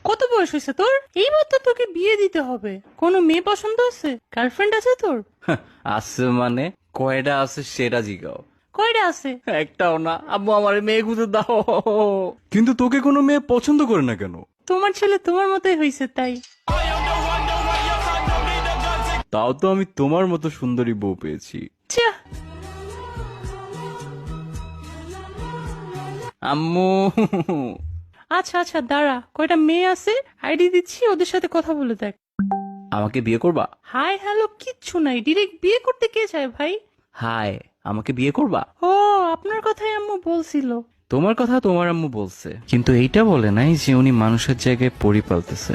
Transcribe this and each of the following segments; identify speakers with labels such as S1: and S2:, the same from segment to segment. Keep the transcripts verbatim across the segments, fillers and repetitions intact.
S1: কত বয়স হয়েছে তোর? এইবার তো তোকে বিয়ে দিতে হবে। কোনো মেয়ে পছন্দ আছে? গার্লফ্রেন্ড আছে তোর?
S2: আছে মানে কয়টা আছে সেটা জিগাও।
S1: কয়টা আছে?
S2: একটাও না, আম্মু আমার মেয়ে খুঁজে দাও।
S3: কিন্তু তোকে কোনো মেয়ে পছন্দ করে না কেন?
S1: তোমার ছেলে তোমার মতোই হয়েছে তাই।
S3: তাও তো আমি তোমার মতো সুন্দরী বউ পেয়েছি।
S1: ছিয়া,
S2: আম্মু
S1: আচ্ছা আচ্ছা দাঁড়া, কয়টা মেয়ে আছে আইডি দিচ্ছি, ওদের সাথে কথা বলে দেখ।
S2: আমাকে বিয়ে করবা?
S1: হাই হ্যালো কিচ্ছু নাই, ডিরেক্ট বিয়ে করতে কে চায় ভাই?
S2: হাই, আমাকে বিয়ে করবা?
S1: ও, আপনার কথাই আম্মু বলছিল।
S2: তোমার কথা তোমার আম্মু বলছে, কিন্তু এইটা বলে নাই যে উনি মানুষের জায়গায় পরি পালতেছে।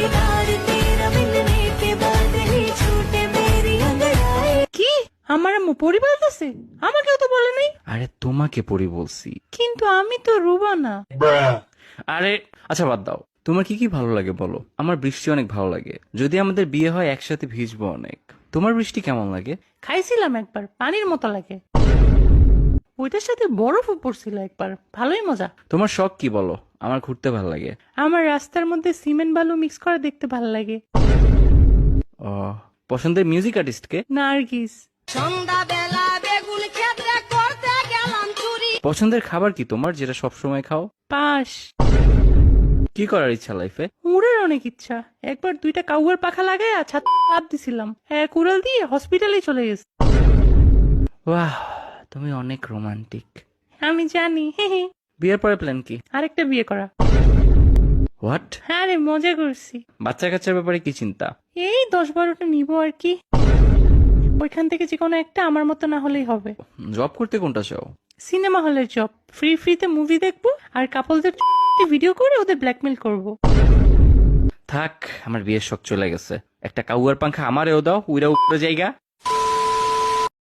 S1: কি? আমার আম্মু পরিবার আছে? আমাকেও তো বলে নাই।
S2: আরে তোমাকে পরি বলছি।
S1: কিন্তু আমি তো রুবা না।
S2: আরে আচ্ছা বাদ দাও, তোমার কি কি ভালো লাগে বলো। আমার বৃষ্টি অনেক ভালো লাগে, যদি আমাদের বিয়ে হয় একসাথে ভিজবো অনেক। তোমার বৃষ্টি কেমন লাগে?
S1: খাইছিলাম একবার, পানির মতো লাগে। ওইটার সাথে বরফও পড়ছিল একবার, ভালোই মজা।
S2: তোমার শখ কি বলো। আমার ঘুরতে ভালো লাগে।
S1: আমার রাস্তার মধ্যে সিমেন্ট বালু মিক্স করা দেখতে ভালো লাগে।
S2: ও, পছন্দের মিউজিক আর্টিস্ট কে?
S1: নার্গিস।
S4: সন্ধ্যাবেলা বেগুন ক্ষেত্রে করতে গেলাম চুরি।
S2: পছন্দের খাবার কি তোমার, যেটা সব সময় খাও?
S1: পাশ।
S2: কি করার ইচ্ছা লাইফে?
S1: উড়ের অনেক ইচ্ছা। একবার দুইটা কাউয়ার পাখা লাগাই ছাদ লাভ দিছিলাম, এক উড়াল দিয়ে হসপিটালে চলে গেছে।
S2: বাহ, তুমি অনেক রোমান্টিক।
S1: আমি জানি, হে হে।
S2: বিয়ের পরে প্ল্যান কি?
S1: আরেকটা বিয়ে করা।
S2: হোয়াট?
S1: হ্যাঁ রে, মজা করছি।
S2: বাচ্চা কাচ্চার ব্যাপারে কি চিন্তা?
S1: এই দশ বারোটা নিবো আর কি। ওইখান থেকে যে কোনো একটা আমার মতো না হলেই হবে।
S2: জব করতে কোনটা চাও?
S1: সিনেমা হলের জব, ফ্রি ফ্রিতে মুভি দেখবো আর কাপলদের ভিডিও করে ওদের ব্ল্যাকমেল করব।
S2: থাক, আমার বিয়ের শখ চলে গেছে। একটা কাউয়ার পাংখা আমারেও দাও, উইরা উপরে জায়গা।